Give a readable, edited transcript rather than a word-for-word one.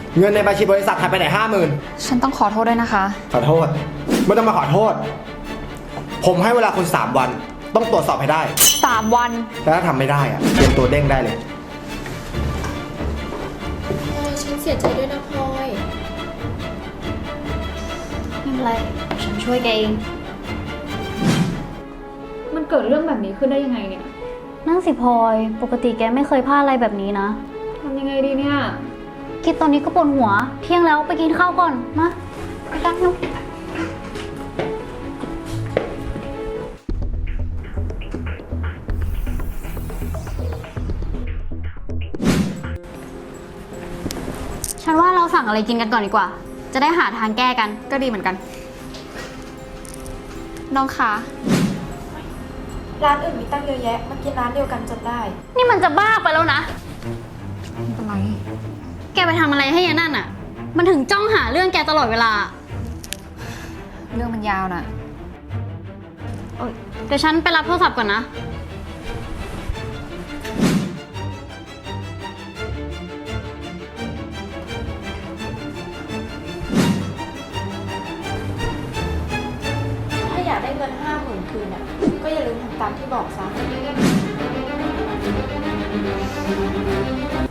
เงินในบัญชีบริษัทหายไปไหน50,000 ฉันต้องขอโทษด้วยนะคะขอโทษไม่ต้องมาขอโทษผมให้เวลาคุณ3 วันต้องตรวจสอบให้ได้ 3 วันแล้วถ้าทำไม่ได้อะเตรียมตัวเด้งได้เลยฉันเสียใจด้วยนะพลอยไม่เป็นไรฉันช่วยแกเองมันเกิดเรื่องแบบนี้ขึ้นได้ยังไงเนี่ยนั่งสิพลอยปกติแกไม่เคยพลาดอะไรแบบนี้นะทำยังไงดีเนี่ยคิดตอนนี้ก็ปวดหัว เที่ยงแล้วไปกินข้าวก่อนมาไปกันนุ๊กฉันว่าเราสั่งอะไรกินกันก่อนดีกว่า จะได้หาทางแก้กันก็ดีเหมือนกัน น้องคะร้านอื่นมีตั้งเยอะแยะมากินร้านเดียวกันจนได้นี่มันจะบ้าไปแล้วนะไม่เป็นไรแกไปทำอะไรให้ยายนั่นอ่ะ มันถึงจ้องหาเรื่องแกตลอดเวลาเรื่องมันยาวน่ะเดี๋ยวฉันไปรับโทรศัพท์ก่อนนะถ้าอยากได้เงิน50,000คืนอ่ะ ก็อย่าลืมทำตามที่บอกซะ